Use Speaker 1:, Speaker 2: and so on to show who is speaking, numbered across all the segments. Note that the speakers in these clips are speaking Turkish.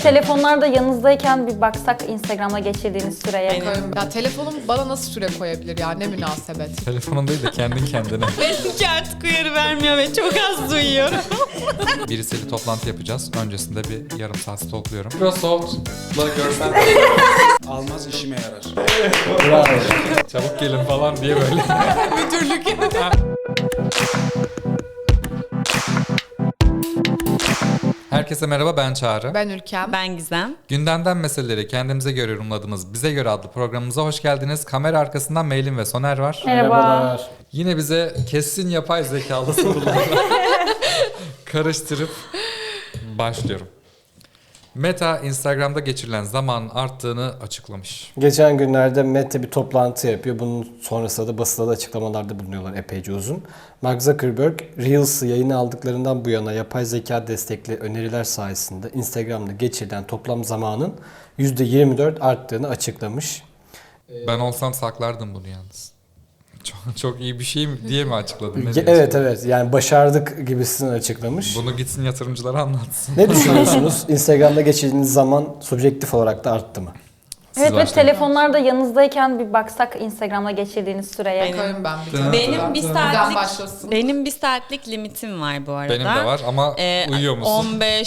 Speaker 1: telefonlar da yanınızdayken bir baksak Instagram'da geçirdiğiniz süreye.
Speaker 2: Ya telefonum bana nasıl süre koyabilir ya, ne münasebet.
Speaker 3: Telefonun değil de kendin kendine.
Speaker 4: Benimki artık uyarı vermiyor ve çok az duyuyorum.
Speaker 3: Birisiyle toplantı yapacağız. Öncesinde bir yarım saat stalkluyorum. Microsoft'la görsen
Speaker 5: Almaz işime yarar.
Speaker 3: bravo. Çabuk gelin falan diye böyle.
Speaker 2: Müdürlük.
Speaker 3: Herkese merhaba, ben Çağrı.
Speaker 2: Ben Ülkem.
Speaker 4: Ben Gizem.
Speaker 3: Gündemden meseleleri kendimize göre yorumladığımız Bize Göre adlı programımıza hoş geldiniz. Kamera arkasından Meylin ve Soner var.
Speaker 1: Merhaba.
Speaker 3: Yine bize kesin yapay zekalı sorularla karıştırıp başlıyorum. Meta, Instagram'da geçirilen zamanın arttığını açıklamış.
Speaker 6: Geçen günlerde Meta bir toplantı yapıyor. Bunun sonrasında da basında da açıklamalarda bulunuyorlar epeyce uzun. Mark Zuckerberg, Reels'ı yayına aldıklarından bu yana yapay zeka destekli öneriler sayesinde Instagram'da geçirilen toplam zamanın %24 arttığını açıklamış.
Speaker 3: Ben olsam saklardım bunu yalnız. Çok iyi bir şey mi diye mi açıkladın? Ne
Speaker 6: Evet
Speaker 3: diyorsun?
Speaker 6: yani başardık gibisini açıklamış.
Speaker 3: Bunu gitsin yatırımcılara anlatsın.
Speaker 6: Ne düşünüyorsunuz? Instagram'da geçirdiğiniz zaman subjektif olarak da arttı mı?
Speaker 1: Evet ve
Speaker 3: başlayın.
Speaker 1: telefonlar da yanınızdayken bir baksak Instagram'da geçirdiğiniz süreye.
Speaker 2: Bakarım ben bir tane.
Speaker 4: Benim bir
Speaker 2: Güzel
Speaker 4: saatlik
Speaker 2: başlasın.
Speaker 4: benim bir saatlik limitim var bu arada.
Speaker 3: Benim de var ama uyuyor musun?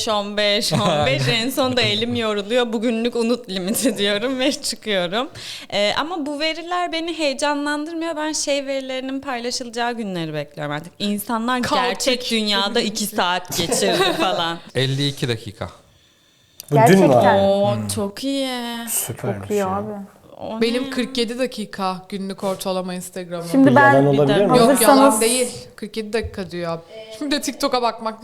Speaker 4: 15 en sonunda elim yoruluyor. Bugünlük unut limiti diyorum ve çıkıyorum. Ama bu veriler beni heyecanlandırmıyor. Ben verilerinin paylaşılacağı günleri bekliyorum artık. İnsanlar
Speaker 2: Kaotik.
Speaker 4: gerçek dünyada 2 saat geçirdi falan.
Speaker 3: 52 dakika.
Speaker 6: Bu dün mü
Speaker 1: Gerçekten.
Speaker 6: abi?
Speaker 4: Oo çok iyi.
Speaker 6: Süpermiş
Speaker 1: Çok iyi
Speaker 6: ya.
Speaker 1: abi.
Speaker 4: O ne?
Speaker 2: Benim 47 dakika günlük ortalama Instagram'ım.
Speaker 1: Şimdi
Speaker 6: Yalan
Speaker 1: ben
Speaker 6: olabilir mi?
Speaker 2: Yok
Speaker 1: hazırsanız
Speaker 2: yalan değil. 47 dakika diyor. Şimdi de TikTok'a bakmak.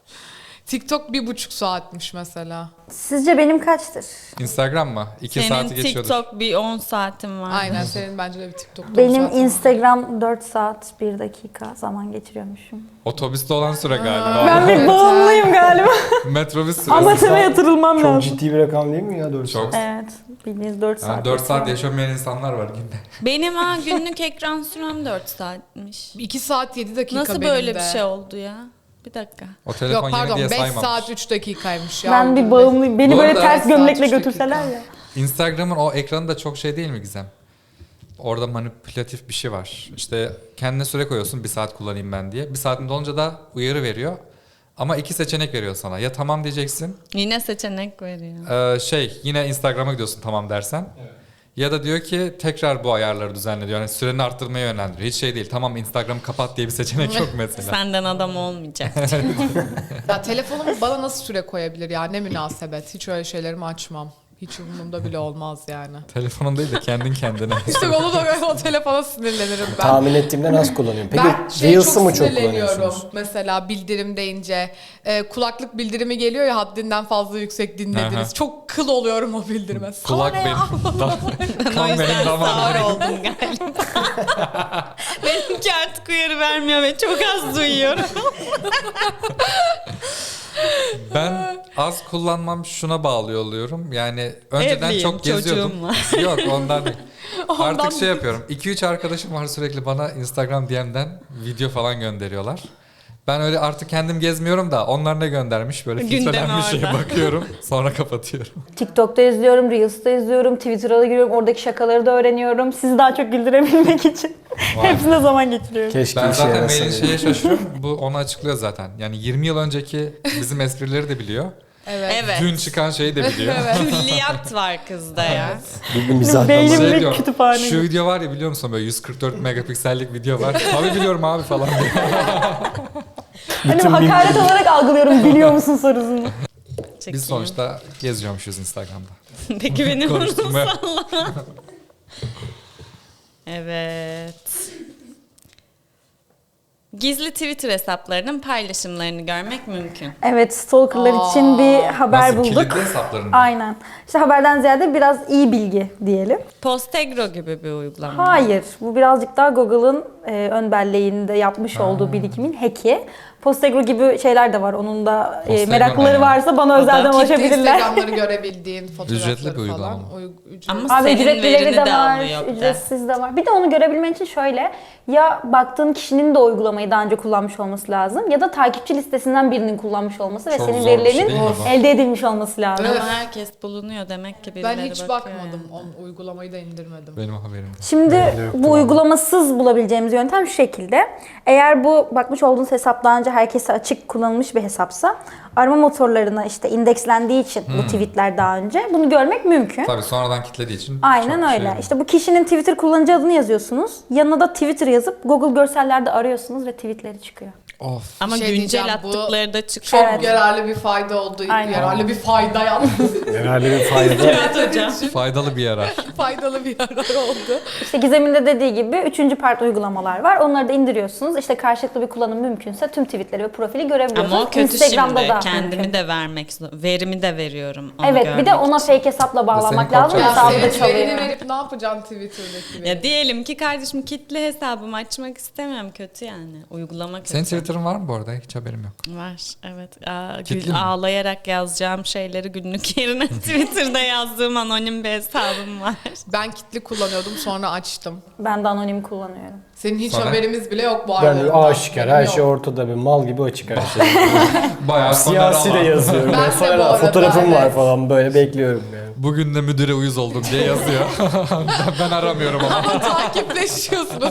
Speaker 2: TikTok 1,5 saatmiş mesela.
Speaker 1: sizce benim kaçtır?
Speaker 3: Instagram mı? 2
Speaker 4: Senin
Speaker 3: saati geçiyordur.
Speaker 4: TikTok bir 10 saatin var.
Speaker 2: Aynen senin bence de bir TikTok'ta
Speaker 1: Benim
Speaker 2: zaten.
Speaker 1: Instagram 4 saat 1 dakika zaman geçiriyormuşum.
Speaker 3: Otobüste olan süre galiba.
Speaker 1: Ben bir
Speaker 2: Evet,
Speaker 1: bağımlıyım galiba.
Speaker 3: Metrobüs süresi.
Speaker 1: Amateme yatırılmam
Speaker 6: Çok
Speaker 1: lazım.
Speaker 6: ciddi bir rakam değil mi ya 4
Speaker 3: Çok.
Speaker 1: Evet. Bildiğiniz 4
Speaker 3: Yani
Speaker 1: saat.
Speaker 3: 4 saat yaşamayan insanlar var günde.
Speaker 4: Benim günlük ekran sürem 4 saatmiş.
Speaker 2: 2 saat 7 dakika
Speaker 4: Nasıl
Speaker 2: benim
Speaker 4: böyle
Speaker 2: de.
Speaker 4: bir şey oldu ya? Bir dakika.
Speaker 3: O telefon
Speaker 2: Yok
Speaker 3: yeni
Speaker 2: pardon
Speaker 3: diye
Speaker 2: 5
Speaker 3: saymamış.
Speaker 2: saat 3 dakikaymış ya.
Speaker 1: Ben bir bağımlıyım. Beni
Speaker 3: Bu
Speaker 1: böyle
Speaker 3: arada
Speaker 1: ters
Speaker 2: saat
Speaker 1: gömlekle
Speaker 2: 3
Speaker 1: götürseler
Speaker 2: dakika.
Speaker 1: ya.
Speaker 3: Instagram'ın o ekranı da çok şey değil mi Gizem? Orada manipülatif bir şey var. İşte kendine süre koyuyorsun 1 saat kullanayım ben diye. 1 saatin dolunca da uyarı veriyor. Ama 2 seçenek veriyor sana. Ya tamam diyeceksin.
Speaker 4: Yine seçenek veriyor.
Speaker 3: Yine Instagram'a gidiyorsun tamam dersen. Ya da diyor ki tekrar bu ayarları düzenle diyor. Yani süreni arttırmaya yönlendiriyor. Hiç şey değil. Tamam Instagram'ı kapat diye bir seçenek yok mesela.
Speaker 4: Senden adam olmayacak.
Speaker 2: Ya telefonum bana nasıl süre koyabilir ya, ne münasebet. Hiç öyle şeylerimi açmam. Hiç umurumda bile olmaz yani.
Speaker 3: Telefonun değil de kendin kendine.
Speaker 2: İşte onu da o telefona sinirlenirim ben.
Speaker 6: Tahmin ettiğimden az kullanıyorum. Peki
Speaker 2: Ben
Speaker 6: Reels'ı
Speaker 2: çok
Speaker 6: mı çok
Speaker 2: sinirleniyorum
Speaker 6: kullanıyorsunuz?
Speaker 2: mesela bildirim deyince. Kulaklık bildirimi geliyor ya, haddinden fazla yüksek dinlediniz.
Speaker 3: Aha.
Speaker 2: Çok kıl oluyorum o bildirime.
Speaker 3: Kulak
Speaker 2: Sana ne ya?
Speaker 3: benim.
Speaker 4: Ben o
Speaker 3: Kan
Speaker 4: yüzden
Speaker 3: benim
Speaker 4: sağır
Speaker 3: damarım.
Speaker 4: oldum galiba. Benimki artık uyarı vermiyor ve çok az duyuyorum.
Speaker 3: Ben az kullanmam şuna bağlı oluyorum. Yani önceden
Speaker 4: Evliyim,
Speaker 3: çok geziyordum.
Speaker 4: çocuğum var.
Speaker 3: Yok ondan değil.
Speaker 2: Ondan
Speaker 3: Artık şey
Speaker 2: değil.
Speaker 3: yapıyorum. 2-3 arkadaşım var sürekli bana Instagram DM'den video falan gönderiyorlar. Ben öyle artık kendim gezmiyorum da onlar ne göndermiş böyle
Speaker 4: Gündemi
Speaker 3: filtrelenmiş şeye
Speaker 4: orada.
Speaker 3: bakıyorum. Sonra kapatıyorum.
Speaker 1: TikTok'ta izliyorum, Reels'ta izliyorum, Twitter'a da giriyorum. Oradaki şakaları da öğreniyorum. Sizi daha çok güldürebilmek için. Hepsine zaman geçiriyorum.
Speaker 6: Keşke
Speaker 3: Ben
Speaker 6: işe
Speaker 3: zaten
Speaker 6: yarasa
Speaker 3: mailin
Speaker 6: diye.
Speaker 3: şeye şaşırıyorum. Bu onu açıklıyor zaten. Yani 20 yıl önceki bizim esprileri de biliyor.
Speaker 2: Evet.
Speaker 4: Evet.
Speaker 3: Dün çıkan şeyi de biliyor.
Speaker 4: Külliyat var kızda ya.
Speaker 6: Bir mizah
Speaker 1: Beynim-
Speaker 6: damarı.
Speaker 1: Ve
Speaker 3: diyor,
Speaker 1: kütüphane
Speaker 3: şu
Speaker 1: gibi.
Speaker 3: video var ya biliyor musun böyle 144 megapiksellik video var. Tabii biliyorum abi falan diyor.
Speaker 1: Hani hakaret olarak algılıyorum biliyor musun sorusunu.
Speaker 3: Biz sonuçta geziyormuşuz Instagram'da.
Speaker 4: Peki benim
Speaker 3: Konuşturmaya.
Speaker 4: Evet. Gizli Twitter hesaplarının paylaşımlarını görmek mümkün.
Speaker 1: Evet, stalkerlar için bir haber
Speaker 3: Nasıl?
Speaker 1: bulduk.
Speaker 3: Kilitli hesaplarını mı?
Speaker 1: Aynen. İşte haberden ziyade biraz iyi bilgi diyelim.
Speaker 4: Postegro gibi bir uygulama.
Speaker 1: Hayır, bu birazcık daha Google'ın ön belleğinde yapmış olduğu birikimin hack'i. Postegro gibi şeyler de var. Onun da
Speaker 3: Postegro
Speaker 1: meraklıları
Speaker 3: ne ya?
Speaker 1: varsa bana özelden
Speaker 2: Kitle
Speaker 1: ulaşabilirler.
Speaker 2: Instagram'ları görebildiğin fotoğrafları
Speaker 3: Ücretli bir uygulama
Speaker 2: falan.
Speaker 3: mı?
Speaker 2: Ücretli.
Speaker 4: Ama
Speaker 1: Abi
Speaker 4: senin
Speaker 1: ücretlileri
Speaker 4: verini
Speaker 1: de
Speaker 4: de
Speaker 1: var,
Speaker 4: alıyor bir de.
Speaker 1: ücretsiz de var. Bir de onu görebilmen için şöyle, ya baktığın kişinin de uygulamayı daha önce kullanmış olması lazım ya da takipçi listesinden birinin kullanmış olması ve
Speaker 3: Çok
Speaker 1: senin
Speaker 3: zor bir şey
Speaker 1: verilerinin
Speaker 3: değil mi bu?
Speaker 1: elde edilmiş olması lazım.
Speaker 2: Evet.
Speaker 4: Ama herkes bulunuyor demek ki birileri
Speaker 2: Ben hiç
Speaker 4: bakıyor
Speaker 2: bakmadım.
Speaker 4: yani.
Speaker 2: O uygulamayı da indirmedim.
Speaker 3: Benim haberim yok.
Speaker 1: Şimdi bu uygulamasız bulabileceğimiz yöntem şu şekilde. Eğer bu bakmış olduğunuz hesap daha önce herkese açık kullanılmış bir hesapsa arama motorlarına işte indekslendiği için bu tweetler daha önce bunu görmek mümkün.
Speaker 3: Tabii sonradan kitlediği için
Speaker 1: Aynen
Speaker 3: çok
Speaker 1: öyle.
Speaker 3: şey-
Speaker 1: İşte bu kişinin Twitter kullanıcı adını yazıyorsunuz. Yanına da Twitter yazıp Google görsellerde arıyorsunuz ve tweetleri çıkıyor.
Speaker 3: Of.
Speaker 4: Ama
Speaker 2: Şey
Speaker 4: güncel
Speaker 2: diyeceğim, bu
Speaker 4: attıkları da çıkıyor.
Speaker 1: Evet.
Speaker 2: Yararlı bir fayda oldu.
Speaker 1: Aynen.
Speaker 2: Yararlı bir fayda yaptı.
Speaker 6: Herhalde bir fayda.
Speaker 4: Evet hocam.
Speaker 3: Faydalı bir yarar.
Speaker 2: Faydalı bir yarar oldu.
Speaker 1: İşte Gizem'in de dediği gibi 3. part uygulamalar var. Onları da indiriyorsunuz. İşte karşılıklı bir kullanım mümkünse tüm tweetleri ve profili görebiliyorsunuz.
Speaker 4: Ama o kötü
Speaker 1: Instagram'da
Speaker 4: şimdi.
Speaker 1: da
Speaker 4: Kendimi
Speaker 1: mümkün.
Speaker 4: de vermek verimi de veriyorum. Onu
Speaker 1: Evet, bir de
Speaker 4: görmek
Speaker 1: ona
Speaker 4: için.
Speaker 1: fake hesapla bağlamak
Speaker 3: senin
Speaker 1: lazım.
Speaker 3: korkacağın
Speaker 1: Hesabı
Speaker 3: şey-
Speaker 1: da
Speaker 2: Senin
Speaker 1: çalıyor.
Speaker 2: verini verip ne yapacaksın Twitter'daki verini?
Speaker 4: Ya diyelim ki kardeşim kitle hesabımı açmak istemiyorum. Kötü yani. Uygulama kötü.
Speaker 3: Senin Twitter'ın var mı bu arada? Hiç haberim yok.
Speaker 4: Var evet.
Speaker 3: Kitli mi?
Speaker 4: Ağlayarak yazacağım şeyleri günlük yerine Twitter'da yazdığım anonim bir hesabım var.
Speaker 2: Ben kitli kullanıyordum sonra açtım.
Speaker 1: Ben de anonim kullanıyorum.
Speaker 2: Senin hiç
Speaker 3: Sonra?
Speaker 2: haberimiz bile yok bu
Speaker 6: Ben
Speaker 2: arada.
Speaker 6: de aşikar, her şey ortada, bir mal gibi açık her şey.
Speaker 3: Bayağı
Speaker 6: Siyasi de yazıyorum.
Speaker 2: Ben de
Speaker 6: Mesela
Speaker 2: bu arada,
Speaker 6: fotoğrafım var
Speaker 2: evet.
Speaker 6: falan, böyle bekliyorum yani.
Speaker 3: Bugün de müdüre uyuz oldum diye yazıyor. ben aramıyorum ama.
Speaker 2: Takipleşiyorsunuz.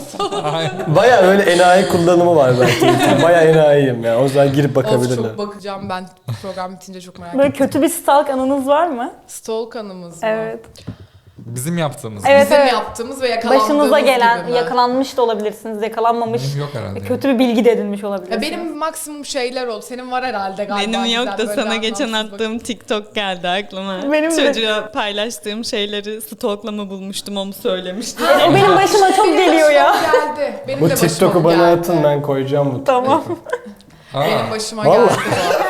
Speaker 6: Baya öyle enayi kullanımı var belki. Baya enayiyim ya. O zaman girip
Speaker 2: Of
Speaker 6: bakabilirler.
Speaker 2: çok bakacağım ben program bitince çok merak
Speaker 1: Böyle
Speaker 2: ettim.
Speaker 1: kötü bir stalk anınız var mı?
Speaker 2: Stalk anımız mı?
Speaker 1: Evet.
Speaker 3: Bizim yaptığımız.
Speaker 1: Evet,
Speaker 2: Bizim
Speaker 1: evet.
Speaker 2: yaptığımız ve yakalandığımız
Speaker 1: Başınıza gelen,
Speaker 2: gibi mi?
Speaker 1: yakalanmış da olabilirsiniz, yakalanmamış.
Speaker 3: Benim yok herhalde.
Speaker 1: Kötü bir bilgi de edinmiş olabilirsiniz.
Speaker 2: Ya benim maksimum şeyler oldu. Senin var herhalde galiba.
Speaker 4: Benim yok
Speaker 2: güzel
Speaker 4: da
Speaker 2: böyle
Speaker 4: sana geçen
Speaker 2: anlamsız
Speaker 4: attığım TikTok geldi aklıma.
Speaker 1: Benim de.
Speaker 4: Çocuğa paylaştığım şeyleri stalklama bulmuştum onu söylemiştim.
Speaker 1: O benim başıma çok
Speaker 2: Benim
Speaker 1: geliyor ya.
Speaker 2: başıma geldi. Benim
Speaker 6: Bu
Speaker 2: de başıma
Speaker 6: TikTok'u bana
Speaker 2: geldi.
Speaker 6: atın, ben koyacağım bu.
Speaker 1: Tamam.
Speaker 2: Benim başıma
Speaker 6: Vallahi.
Speaker 2: geldi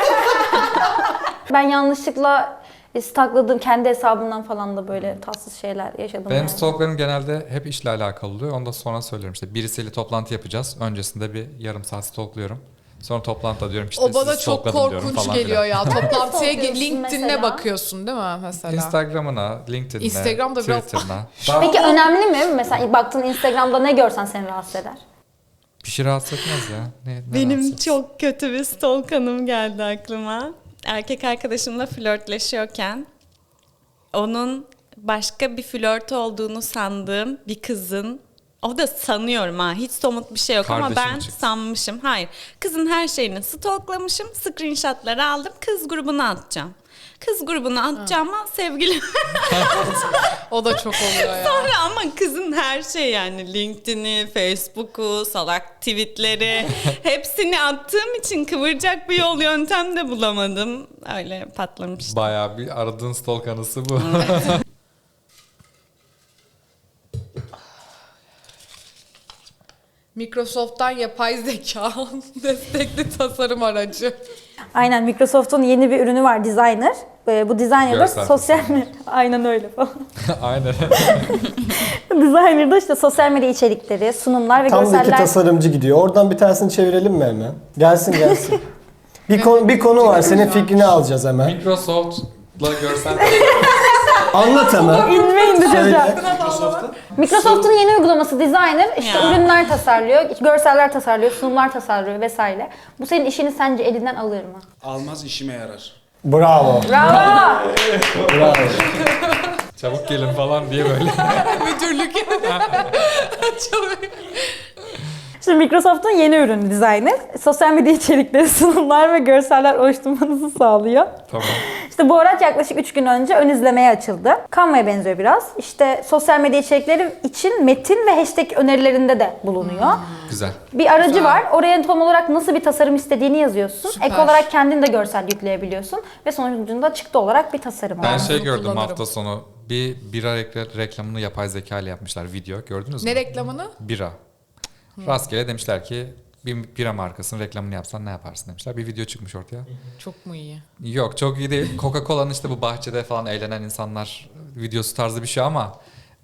Speaker 2: bu.
Speaker 1: Ben yanlışlıkla stalkladığım kendi hesabımdan falan da böyle tatsız şeyler yaşadım.
Speaker 3: Benim
Speaker 1: yani.
Speaker 3: stalklarım genelde hep işle alakalı oluyor. Onu da sonra söylüyorum. İşte birisiyle toplantı yapacağız. Öncesinde bir yarım saat stalkluyorum. Sonra toplantıda diyorum ki işte
Speaker 2: O bana
Speaker 3: sizi
Speaker 2: çok
Speaker 3: stalkladım diyorum
Speaker 2: korkunç
Speaker 3: falan
Speaker 2: geliyor
Speaker 3: filan.
Speaker 2: ya. Toplantıya
Speaker 1: stalkluyorsun
Speaker 2: LinkedIn'e
Speaker 1: mesela?
Speaker 2: bakıyorsun değil mi mesela?
Speaker 3: Instagram'ına, LinkedIn'ine,
Speaker 2: Instagram'da biraz-
Speaker 3: Twitter'ına.
Speaker 1: Peki önemli mi? Mesela baktığın Instagram'da ne görsen seni rahatsız eder.
Speaker 3: Bir şey rahatsız etmez ya. Ne
Speaker 4: Benim
Speaker 3: rahatsız?
Speaker 4: çok kötü bir stalk anım geldi aklıma. Erkek arkadaşımla flörtleşiyorken onun başka bir flört olduğunu sandığım bir kızın, o da sanıyorum ha, hiç somut bir şey yok ama
Speaker 3: Kardeşi mi
Speaker 4: ben
Speaker 3: çıktı?
Speaker 4: sanmışım. Hayır, kızın her şeyini stalklamışım, screenshotları aldım, kız grubuna atacağım. Kız grubuna atacağıma sevgilim.
Speaker 2: O da çok oluyor ya.
Speaker 4: Sonra ama kızın her şey yani LinkedIn'i, Facebook'u, salak tweetleri hepsini attığım için kıvıracak bir yol yöntem de bulamadım. Öyle patlamıştı.
Speaker 3: Bayağı bir aradığın stalk anısı bu.
Speaker 2: Microsoft'tan yapay zeka destekli tasarım aracı.
Speaker 1: Aynen, Microsoft'un yeni bir ürünü var, Designer. Bu Designer'da
Speaker 3: Görsel
Speaker 1: sosyal aynen öyle falan.
Speaker 3: Aynen.
Speaker 1: Designer'da işte sosyal medya içerikleri, sunumlar ve
Speaker 6: Tam da iki
Speaker 1: görseller.
Speaker 6: tasarımcı gidiyor. Oradan bir tanesini çevirelim mi hemen? Gelsin gelsin. Bir konu var. Senin fikrini alacağız hemen.
Speaker 3: Microsoft'la görsel
Speaker 6: Anlat hemen.
Speaker 1: İnme indi çocuğa.
Speaker 5: Microsoft'ta
Speaker 1: Microsoft'un yeni uygulaması Designer işte
Speaker 4: Ya.
Speaker 1: ürünler tasarlıyor, görseller tasarlıyor, sunumlar tasarlıyor vesaire. Bu senin işini sence elinden alır mı?
Speaker 5: almaz işime yarar.
Speaker 6: Bravo.
Speaker 1: Bravo!
Speaker 6: Bravo.
Speaker 3: çabuk gelin falan diye böyle.
Speaker 2: Müdürlük. Çok-
Speaker 1: Şimdi Microsoft'un yeni ürünü Designer. Sosyal medya içerikleri, sunumlar ve görseller oluşturmanızı sağlıyor.
Speaker 3: Tamam.
Speaker 1: İşte bu araç yaklaşık 3 gün önce ön izlemeye açıldı. Canva'ya benziyor biraz. İşte sosyal medya içerikleri için metin ve hashtag önerilerinde de bulunuyor.
Speaker 3: Güzel.
Speaker 1: Bir aracı
Speaker 2: Güzel.
Speaker 1: var. Oraya tam olarak nasıl bir tasarım istediğini yazıyorsun.
Speaker 2: Süper.
Speaker 1: Ek olarak kendin de görsel yükleyebiliyorsun. Ve sonucunda çıktı olarak bir tasarım
Speaker 3: Ben
Speaker 1: var.
Speaker 3: şey
Speaker 2: bunu
Speaker 3: gördüm
Speaker 2: kullanırım.
Speaker 3: hafta sonu. Bir bira reklamını yapay zeka ile yapmışlar. Video gördünüz mü?
Speaker 2: Ne reklamını?
Speaker 3: Bira. Rastgele demişler ki bir bira markasının reklamını yapsan ne yaparsın demişler. Bir video çıkmış ortaya.
Speaker 2: Çok mu iyi?
Speaker 3: Yok çok iyi değil. Coca-Cola'nın işte bu bahçede falan eğlenen insanlar videosu tarzı bir şey ama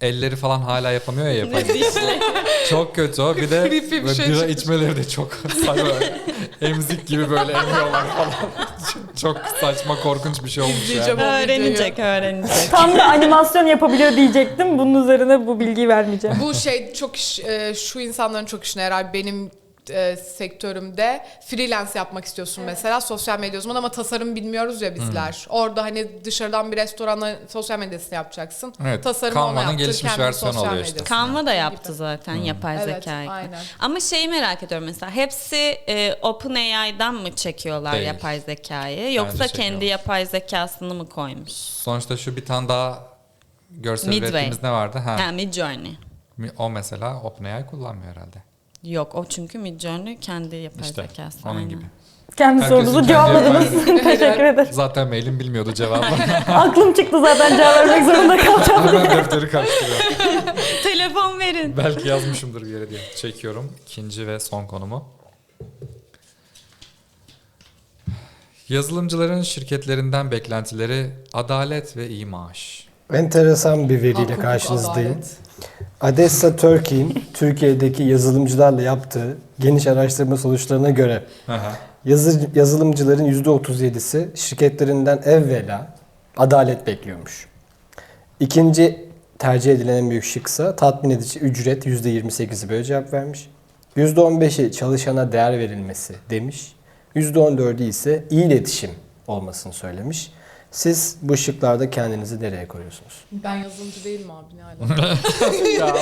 Speaker 3: elleri falan hala yapamıyor ya yapay zeka. Çok kötü o. Bir de
Speaker 2: Creepy bir
Speaker 3: böyle
Speaker 2: şey
Speaker 3: bira
Speaker 2: çıkmış.
Speaker 3: içmeleri de çok saçma. Emzik gibi böyle emiyorlar falan. Çok saçma, korkunç bir şey olmuş
Speaker 2: İzleyeceğim.
Speaker 3: yani.
Speaker 4: Öğrenecek.
Speaker 1: Tam da animasyon yapabiliyor diyecektim. Bunun üzerine bu bilgiyi vermeyeceğim.
Speaker 2: Bu şey çok şu insanların çok işine yarar. Benim sektörümde freelance yapmak istiyorsun mesela sosyal medya uzmanı ama tasarım bilmiyoruz ya bizler. Orada hani dışarıdan bir restorana sosyal medyasını yapacaksın.
Speaker 3: Evet,
Speaker 2: Tasarımı
Speaker 3: Canva'nın
Speaker 2: ona yaptır,
Speaker 3: gelişmiş
Speaker 2: kendi
Speaker 3: versiyonu
Speaker 2: sosyal
Speaker 3: oluyor işte.
Speaker 2: medyasını
Speaker 4: Canva da
Speaker 2: yaptır
Speaker 4: yaptı
Speaker 2: gibi.
Speaker 4: zaten yapay
Speaker 2: Evet,
Speaker 4: zekayı.
Speaker 2: aynen.
Speaker 4: Ama şeyi merak ediyorum mesela hepsi OpenAI'dan mı çekiyorlar
Speaker 3: Değil.
Speaker 4: yapay zekayı yoksa
Speaker 3: çekiyorlar.
Speaker 4: kendi yapay zekasını mı koymuş?
Speaker 3: Sonuçta şu bir tane daha görsel
Speaker 4: Midway.
Speaker 3: ürettiğimiz ne vardı?
Speaker 4: Ha, Midjourney.
Speaker 3: O mesela OpenAI kullanmıyor herhalde.
Speaker 4: Yok o çünkü Midjourney kendi yapay
Speaker 3: İşte
Speaker 4: zekası.
Speaker 3: onun
Speaker 4: aynen.
Speaker 3: gibi.
Speaker 1: Kendi
Speaker 3: Herkesin
Speaker 1: sorunuzu
Speaker 3: kendi
Speaker 1: cevapladınız. Teşekkür ederim.
Speaker 3: Zaten mailim bilmiyordu cevabı.
Speaker 1: Aklım çıktı zaten cevap vermek zorunda kalacağım.
Speaker 3: Hemen defteri karıştırıyorum.
Speaker 4: Telefon verin.
Speaker 3: Belki yazmışımdır bir yere diye. Çekiyorum. İkinci ve son konumu. Yazılımcıların şirketlerinden beklentileri adalet ve iyi maaş.
Speaker 6: Enteresan bir veriyle
Speaker 2: Hukuk,
Speaker 6: karşınızdayım.
Speaker 2: adalet.
Speaker 6: Adessa Turkey'in Türkiye'deki yazılımcılarla yaptığı geniş araştırma sonuçlarına göre yazılımcıların %37'si şirketlerinden evvela adalet bekliyormuş. İkinci tercih edilen en büyük şıksa tatmin edici ücret %28'i böyle cevap vermiş. %15'i çalışana değer verilmesi demiş. %14'ü ise iyi iletişim olmasını söylemiş. Siz bu şıklarda kendinizi nereye koyuyorsunuz?
Speaker 2: Ben yazılımcı değilim abi ne alaka?
Speaker 3: Ya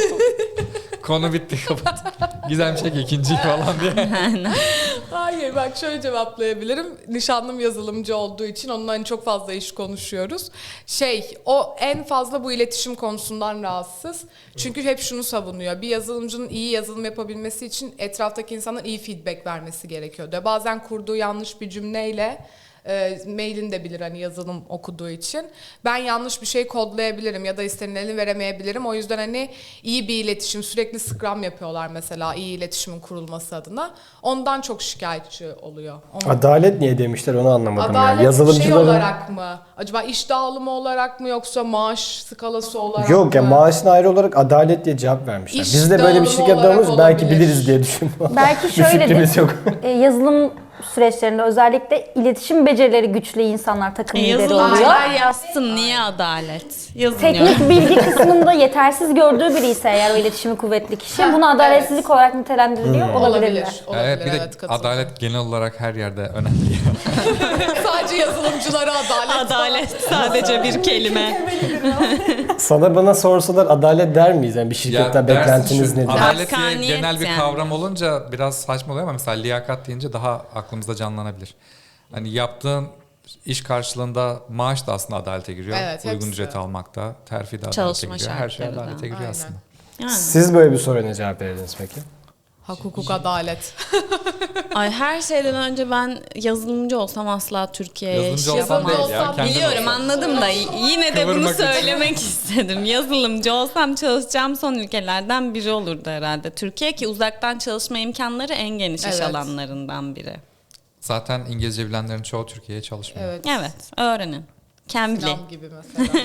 Speaker 3: konu bitti kapat. Gizem çek ikinciyi falan diye.
Speaker 2: Hayır bak şöyle cevaplayabilirim. Nişanlım yazılımcı olduğu için onunla hani çok fazla iş konuşuyoruz. O en fazla bu iletişim konusundan rahatsız. Çünkü hep şunu savunuyor. Bir yazılımcının iyi yazılım yapabilmesi için etraftaki insanların iyi feedback vermesi gerekiyor diyor. Bazen kurduğu yanlış bir cümleyle mailini de bilir hani yazılım okuduğu için. Ben yanlış bir şey kodlayabilirim ya da istenileni veremeyebilirim. O yüzden hani iyi bir iletişim, sürekli Scrum yapıyorlar mesela iyi iletişimin kurulması adına. Ondan çok şikayetçi oluyor.
Speaker 6: Adalet niye demişler onu anlamadım.
Speaker 2: Adalet
Speaker 6: ya. Yazılımcıların...
Speaker 2: şey olarak mı? Acaba iş dağılımı olarak mı yoksa maaş skalası olarak
Speaker 6: Yok
Speaker 2: mı?
Speaker 6: ya maaşına ayrı olarak adalet diye cevap vermişler.
Speaker 2: İş
Speaker 6: Biz de böyle bir
Speaker 2: dağılımı
Speaker 6: şirket
Speaker 2: olarak
Speaker 6: olmuş belki
Speaker 2: olabilir.
Speaker 6: biliriz diye düşündüm.
Speaker 1: Belki
Speaker 6: Bir fikrimiz
Speaker 1: şöyledir.
Speaker 6: yok.
Speaker 1: Yazılım süreçlerinde özellikle iletişim becerileri güçlü insanlar takım lideri oluyor.
Speaker 4: Yazılımcılar yazsın niye adalet? Yazın ya.
Speaker 1: Teknik bilgi kısmında yetersiz gördüğü biri ise eğer o iletişimi kuvvetli kişi bunu adaletsizlik olarak nitelendiriliyor olabilirler.
Speaker 2: Olabilir.
Speaker 3: Bir de
Speaker 2: katılıyorum.
Speaker 3: adalet genel olarak her yerde önemli.
Speaker 2: Sadece yazılımcılara adalet.
Speaker 4: Adalet sadece bir kelime.
Speaker 6: Sana bana sorsalar adalet der miyiz? Yani bir şirketten
Speaker 3: dersin
Speaker 6: beklentiniz
Speaker 3: şu,
Speaker 6: nedir?
Speaker 3: adalet diye
Speaker 4: Hakkaniyet
Speaker 3: genel bir
Speaker 4: yani.
Speaker 3: kavram olunca biraz saçma oluyor ama mesela liyakat deyince daha aklımızda canlanabilir. Hani yaptığın iş karşılığında maaş da aslında adalete giriyor.
Speaker 2: Evet,
Speaker 3: Uygun
Speaker 2: hepsi.
Speaker 3: ücret almakta, terfi de adalete
Speaker 4: Çalışma
Speaker 3: giriyor. Her şey
Speaker 4: şartları da.
Speaker 3: adalete giriyor
Speaker 2: Aynen.
Speaker 3: aslında.
Speaker 4: Yani.
Speaker 6: Siz böyle bir soruya ne cevap verirdiniz peki?
Speaker 2: Hak, hukuk, adalet.
Speaker 4: Ay her şeyden önce ben yazılımcı olsam asla Türkiye'ye
Speaker 3: Yazılımcı
Speaker 4: iş
Speaker 3: olsan
Speaker 4: yapamam.
Speaker 3: değil ya. Kendin
Speaker 4: Biliyorum
Speaker 3: olsan.
Speaker 4: anladım da yine de bunu
Speaker 3: Kıvırmak için.
Speaker 4: söylemek istedim. Yazılımcı olsam çalışacağım son ülkelerden biri olurdu herhalde. Türkiye ki uzaktan çalışma imkanları en geniş iş
Speaker 2: Evet.
Speaker 4: alanlarından biri.
Speaker 3: Zaten İngilizce bilenlerin çoğu Türkiye'ye çalışmıyor.
Speaker 2: Evet.
Speaker 4: Evet öğrenin. Cambly.
Speaker 2: Sinan gibi mesela.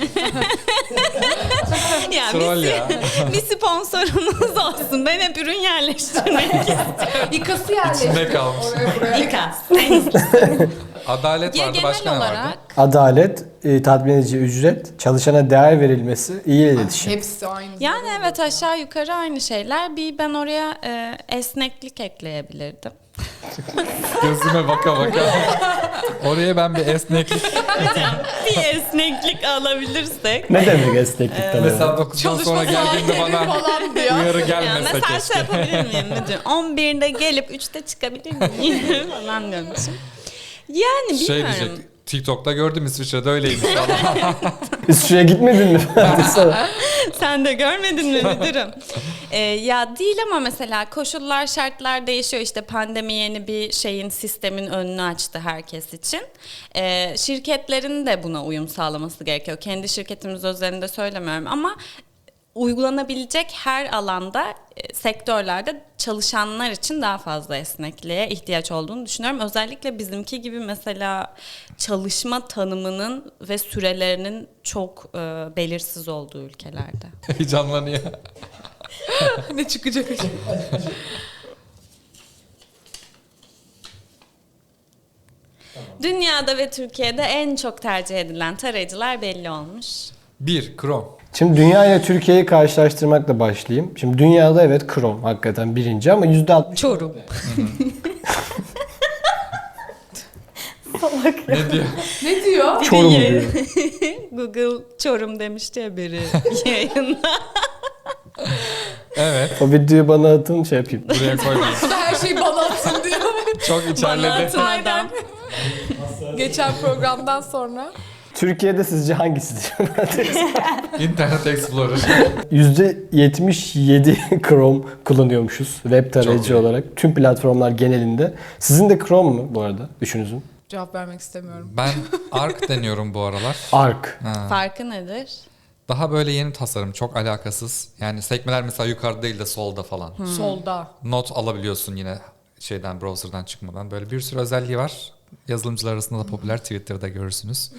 Speaker 4: Ya
Speaker 3: Troll ya.
Speaker 4: bir sponsorunuz olsun. Ben hep ürün yerleştirmek istiyorum.
Speaker 2: İkası yerleşti.
Speaker 3: İçinde kalmış.
Speaker 2: Oraya buraya.
Speaker 4: İKAS.
Speaker 3: Adalet
Speaker 4: Ya
Speaker 3: vardı, başka
Speaker 4: genel
Speaker 3: ne vardı?
Speaker 4: olarak
Speaker 6: Adalet, tatmin edici ücret, çalışana değer verilmesi, iyi iletişim.
Speaker 2: Hepsi aynı.
Speaker 4: yani evet aşağı yukarı aynı şeyler. Bir ben oraya esneklik ekleyebilirdim.
Speaker 3: Gözüme baka baka. Oraya ben bir esneklik.
Speaker 4: Bir esneklik alabilirsek.
Speaker 6: Ne demek esneklikten?
Speaker 3: Mesela 9'dan sonra geldiğinde bana
Speaker 2: falan diyor.
Speaker 3: uyarı
Speaker 4: Ya
Speaker 3: gelmese
Speaker 4: mesela
Speaker 3: keşke.
Speaker 4: şey yapabilir miyim müdür? 11'de gelip 3'te çıkabilir miyim? falan diyormuşum. Yani
Speaker 3: Şey
Speaker 4: bilmiyorum.
Speaker 3: diyecek. TikTok'ta gördüm İsviçre'de öyleymiş falan.
Speaker 6: İsviçre'ye gitmedin mi?
Speaker 4: Sen de görmedin mi müdürüm? Ya değil ama mesela koşullar, şartlar değişiyor. İşte pandemi yeni bir sistemin önünü açtı herkes için. Şirketlerin de buna uyum sağlaması gerekiyor. Kendi şirketimiz özelinde söylemiyorum ama uygulanabilecek her alanda, sektörlerde çalışanlar için daha fazla esnekliğe ihtiyaç olduğunu düşünüyorum. Özellikle bizimki gibi mesela çalışma tanımının ve sürelerinin çok belirsiz olduğu ülkelerde.
Speaker 3: Heyecanlanıyor.
Speaker 2: Ne çıkacak?
Speaker 4: Dünyada ve Türkiye'de en çok tercih edilen tarayıcılar belli olmuş.
Speaker 3: 1. Chrome.
Speaker 6: Şimdi dünya ile Türkiye'yi karşılaştırmakla başlayayım. Şimdi dünyada evet Chrome hakikaten birinci ama %60.
Speaker 4: Çorum.
Speaker 3: Ne diyor?
Speaker 2: Ne diyor?
Speaker 6: Çorum diyor.
Speaker 4: Google Çorum demişti ya biri yayında.
Speaker 3: Evet.
Speaker 6: O videoyu bana atın şey yapayım.
Speaker 3: Buraya koymayın.
Speaker 2: Bu da her şeyi bana atın diyor.
Speaker 3: Çok
Speaker 4: Bana
Speaker 3: içerledi.
Speaker 4: atın adam.
Speaker 2: Geçen programdan sonra.
Speaker 6: Türkiye'de sizce hangisidir?
Speaker 3: Internet Explorer.
Speaker 6: %77 Chrome kullanıyormuşuz web
Speaker 3: Çok
Speaker 6: tarayıcı
Speaker 3: iyi.
Speaker 6: olarak. Tüm platformlar genelinde. Sizin de Chrome mu bu arada düşünüzün?
Speaker 2: Cevap vermek istemiyorum.
Speaker 3: Ben Arc deniyorum bu aralar.
Speaker 6: Arc.
Speaker 4: Farkı nedir?
Speaker 3: Daha böyle yeni tasarım, çok alakasız. Yani sekmeler mesela yukarıda değil de solda falan.
Speaker 2: Solda.
Speaker 3: Not alabiliyorsun yine şeyden, browser'dan çıkmadan. Böyle bir sürü özelliği var. Yazılımcılar arasında da popüler, Twitter'da görürsünüz.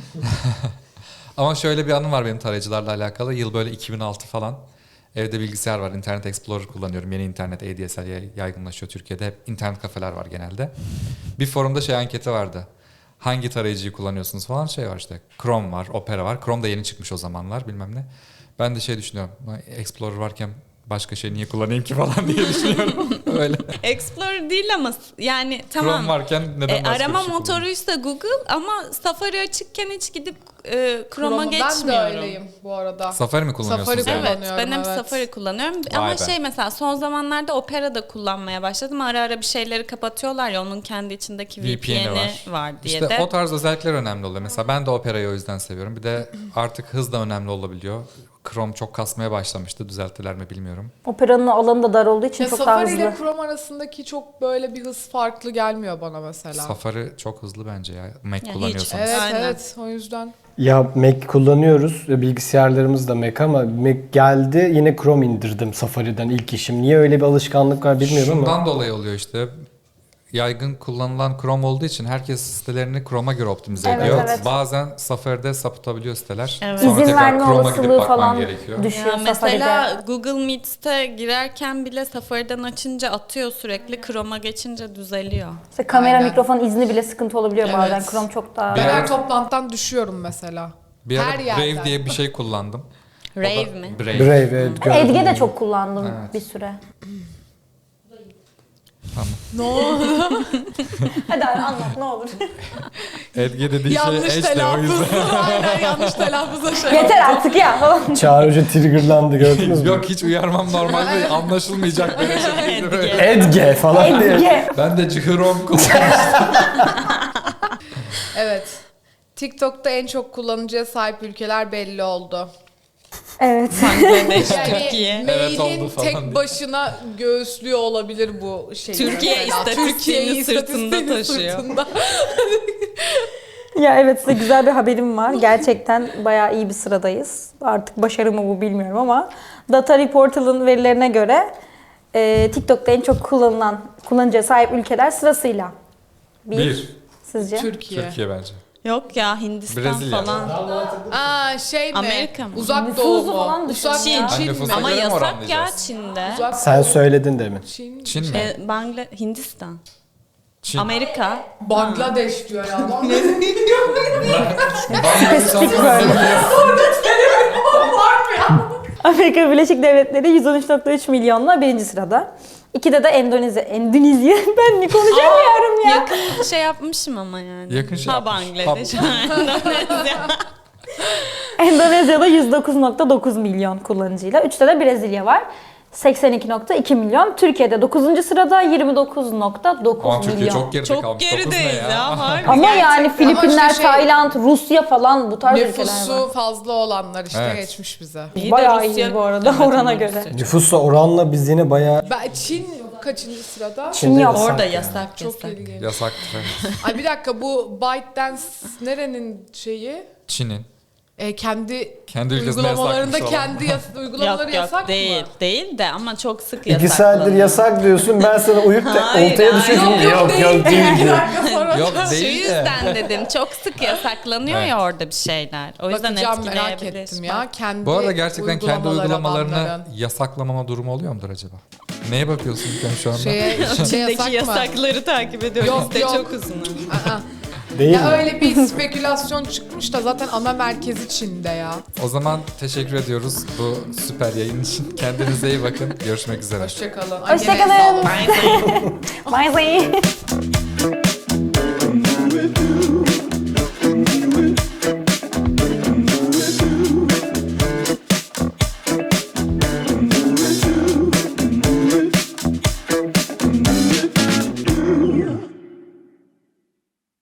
Speaker 3: Ama şöyle bir anım var benim tarayıcılarla alakalı. Yıl böyle 2006 falan. Evde bilgisayar var. Internet Explorer kullanıyorum. Yeni internet, ADSL yaygınlaşıyor Türkiye'de. Hep internet kafeler var genelde. Bir forumda şey anketi vardı. Hangi tarayıcıyı kullanıyorsunuz falan şey var işte. Chrome var, Opera var. Chrome da yeni çıkmış o zamanlar bilmem ne. Ben de şey düşünüyorum. Explorer varken başka şey niye kullanayım ki falan diye düşünüyorum. Öyle.
Speaker 4: Explorer değil ama yani tamam.
Speaker 3: Chrome varken neden başka
Speaker 4: arama
Speaker 3: bir şey
Speaker 4: motoruysa Google ama Safari açıkken hiç gidip Chrome'a
Speaker 2: Ben de
Speaker 4: geçmiyorum.
Speaker 2: öyleyim bu arada.
Speaker 3: Safari mi kullanıyorsunuz?
Speaker 2: Safari
Speaker 3: yani?
Speaker 4: Evet,
Speaker 2: kullanıyorum,
Speaker 4: ben hep
Speaker 2: evet.
Speaker 4: Safari kullanıyorum.
Speaker 3: Vay
Speaker 4: Ama
Speaker 3: be.
Speaker 4: şey mesela son zamanlarda Opera da kullanmaya başladım. Ara ara bir şeyleri kapatıyorlar ya onun kendi içindeki VPN'i var diye
Speaker 3: İşte
Speaker 4: de.
Speaker 3: o tarz özellikler önemli oluyor. Mesela ben de Opera'yı o yüzden seviyorum. Bir de artık hız da önemli olabiliyor. Chrome çok kasmaya başlamıştı. Düzelttiler mi bilmiyorum.
Speaker 1: Operanın alanı da dar olduğu için
Speaker 2: Ya
Speaker 1: çok daha
Speaker 2: Safari ile
Speaker 1: hızlı.
Speaker 2: Chrome arasındaki çok böyle bir hız farklı gelmiyor bana mesela.
Speaker 3: Safari çok hızlı bence ya. Mac
Speaker 4: hiç.
Speaker 3: kullanıyorsanız.
Speaker 2: Evet
Speaker 4: Aynen.
Speaker 2: evet o yüzden.
Speaker 6: Ya Mac kullanıyoruz. Bilgisayarlarımız da Mac ama Mac geldi yine Chrome indirdim Safari'den ilk işim. Niye öyle bir alışkanlık var bilmiyorum ama.
Speaker 3: Şundan dolayı oluyor işte. Yaygın kullanılan Chrome olduğu için herkes sitelerini Chrome'a göre optimize
Speaker 1: Evet,
Speaker 3: ediyor.
Speaker 1: evet.
Speaker 3: Bazen Safari'de sapıtabiliyor siteler.
Speaker 4: Evet.
Speaker 3: Sonra
Speaker 1: İzin
Speaker 3: tekrar
Speaker 1: verme
Speaker 3: Chrome'a gidip
Speaker 1: olasılığı
Speaker 3: bakman
Speaker 1: falan
Speaker 3: gerekiyor.
Speaker 1: düşüyor
Speaker 4: Ya mesela
Speaker 1: Safari'de.
Speaker 4: Google Meet'te girerken bile Safari'den açınca atıyor sürekli. Chrome'a geçince düzeliyor.
Speaker 1: İşte kamera
Speaker 2: Aynen.
Speaker 1: mikrofon izni bile sıkıntı olabiliyor
Speaker 2: Evet.
Speaker 1: bazen. Chrome çok daha...
Speaker 2: Ben
Speaker 3: Bir ara-
Speaker 2: her toplantıdan düşüyorum mesela.
Speaker 3: Bir ara
Speaker 2: Her yerden.
Speaker 3: Brave diye bir şey kullandım. O da-
Speaker 4: Rave mi?
Speaker 3: Brave.
Speaker 6: Brave evet gördüm.
Speaker 1: Edge de çok kullandım
Speaker 3: Evet.
Speaker 1: bir süre.
Speaker 3: Tamam.
Speaker 2: Ne oldu?
Speaker 1: Hadi abi anlat ne olur.
Speaker 3: Edge dediği
Speaker 2: Yanlış
Speaker 3: şey Edge de o
Speaker 2: telaffuz.
Speaker 3: yüzden.
Speaker 2: Aynen yanlış telaffuzla şey
Speaker 1: Yeter artık ya falan.
Speaker 6: Çağrı Hoca triggerlandı gördünüz mü?
Speaker 3: Yok hiç uyarmam normal değil. Anlaşılmayacak bir şey değil.
Speaker 6: Edge falan diye.
Speaker 1: Edge.
Speaker 3: Ben de Chrome kullanıyorum.
Speaker 2: Evet. TikTok'ta en çok kullanıcıya sahip ülkeler belli oldu.
Speaker 1: Evet.
Speaker 4: Bangladeş,
Speaker 2: Yani
Speaker 4: Türkiye.
Speaker 3: Evet,
Speaker 2: mailin
Speaker 3: oldu falan
Speaker 2: tek
Speaker 3: diye.
Speaker 2: başına göğüslüyor olabilir bu şey.
Speaker 4: Türkiye istatistiğini sırtında taşıyor.
Speaker 2: sırtında.
Speaker 1: Ya evet size güzel bir haberim var. Gerçekten bayağı iyi bir sıradayız. Artık başarı mı bu bilmiyorum ama Data Reportal'ın verilerine göre TikTok'ta en çok kullanıcıya sahip ülkeler sırasıyla.
Speaker 3: Bir.
Speaker 1: Sizce?
Speaker 2: Türkiye.
Speaker 3: Bence.
Speaker 4: Yok ya Hindistan
Speaker 3: Brezilya.
Speaker 4: falan.
Speaker 2: Aa şey mi?
Speaker 4: Amerika mı?
Speaker 2: Uzak
Speaker 1: Nüfusu
Speaker 2: Doğu mu?
Speaker 1: falan düşün.
Speaker 2: Uzak
Speaker 4: Çin.
Speaker 2: Çin
Speaker 3: Nüfusa
Speaker 2: mi?
Speaker 4: Ama
Speaker 3: göre mi
Speaker 4: yasak ya
Speaker 3: oranlayacağız?
Speaker 4: Çin'de.
Speaker 2: Uzak
Speaker 6: Sen
Speaker 2: Doğu,
Speaker 6: söyledin demin.
Speaker 2: Çin.
Speaker 3: Çin mi?
Speaker 4: Hindistan.
Speaker 3: Çin.
Speaker 4: Amerika.
Speaker 2: Bangladeş diyor ya.
Speaker 1: Spesifik böyle. Amerika Birleşik Devletleri 113.3 milyonla birinci sırada. İkide de Endonezya. Endonezya. Ben ne konuşamıyorum ya.
Speaker 4: Yakın şey yapmışım ama yani.
Speaker 3: Yakın şey
Speaker 4: ha
Speaker 3: yapmış.
Speaker 4: Bangladeş. Endonezya.
Speaker 1: Endonezya'da 109.9 milyon kullanıcıyla. Üçte de Brezilya var. 82.2 milyon. Türkiye'de 9. sırada 29.9
Speaker 3: Ama Türkiye
Speaker 1: milyon.
Speaker 3: çok geride
Speaker 4: Çok
Speaker 3: kalmış. Dokuz ne
Speaker 4: gerideyiz ya. Harbi.
Speaker 1: Ama yani
Speaker 2: Gerçekten.
Speaker 1: Filipinler,
Speaker 2: Ama işte şey-
Speaker 1: Tayland, Rusya falan bu tarz ülkeler var.
Speaker 2: Nüfusu fazla olanlar işte
Speaker 3: Evet.
Speaker 2: geçmiş bize.
Speaker 4: İyi de
Speaker 1: Bayağı
Speaker 4: Rusya-
Speaker 1: iyi bu arada
Speaker 4: Evet,
Speaker 1: orana
Speaker 4: Rusya.
Speaker 1: göre.
Speaker 6: Nüfusla oranla biz yine bayağı
Speaker 2: Çin kaçıncı sırada?
Speaker 6: Çin'de
Speaker 1: yok.
Speaker 6: yasak
Speaker 4: Orada
Speaker 6: yani.
Speaker 4: yasak
Speaker 2: Çok
Speaker 4: yasak.
Speaker 2: ilginç.
Speaker 3: Yasaktır. Evet.
Speaker 2: Ay bir dakika bu ByteDance nerenin şeyi?
Speaker 3: Çin'in. Kendi ülkesinde
Speaker 2: uygulamalarında
Speaker 3: yasakmış
Speaker 2: kendi uygulamaları
Speaker 4: Yok
Speaker 2: yasak
Speaker 4: değil,
Speaker 2: mı?
Speaker 4: değil de ama çok sık
Speaker 6: 2
Speaker 4: yasaklanıyor.
Speaker 6: saattir yasak diyorsun. Ben sana uyup da
Speaker 4: Hayır,
Speaker 6: ortaya
Speaker 4: hayır.
Speaker 6: düşüyorsun. Yok değil
Speaker 2: İki
Speaker 6: diyor.
Speaker 2: dakika sonra
Speaker 3: Yok
Speaker 4: Şu
Speaker 3: değil de.
Speaker 4: yüzden dedim çok sık yasaklanıyor ya orada bir şeyler. O yüzden
Speaker 2: bakacağım, merak
Speaker 4: etkileyebilir.
Speaker 2: ettim ya. Kendi
Speaker 3: Bu arada gerçekten kendi uygulamalarını
Speaker 2: adamların.
Speaker 3: yasaklamama durumu oluyor mudur acaba? Neye bakıyorsun İlkem şu anda?
Speaker 4: İçindeki
Speaker 2: yasak mı?
Speaker 4: yasakları takip ediyorum.
Speaker 2: Yok,
Speaker 4: Liste
Speaker 2: yok.
Speaker 4: çok uzun.
Speaker 2: Aa.
Speaker 6: Değil
Speaker 2: Ya
Speaker 6: mi?
Speaker 2: öyle bir spekülasyon çıkmış da zaten ana merkezi Çin'de ya.
Speaker 3: O zaman teşekkür ediyoruz bu süper yayın için. Kendinize iyi bakın. Görüşmek üzere.
Speaker 2: Hoşçakalın.
Speaker 1: Hoşçakalın.
Speaker 4: Bye.
Speaker 1: Bye bye.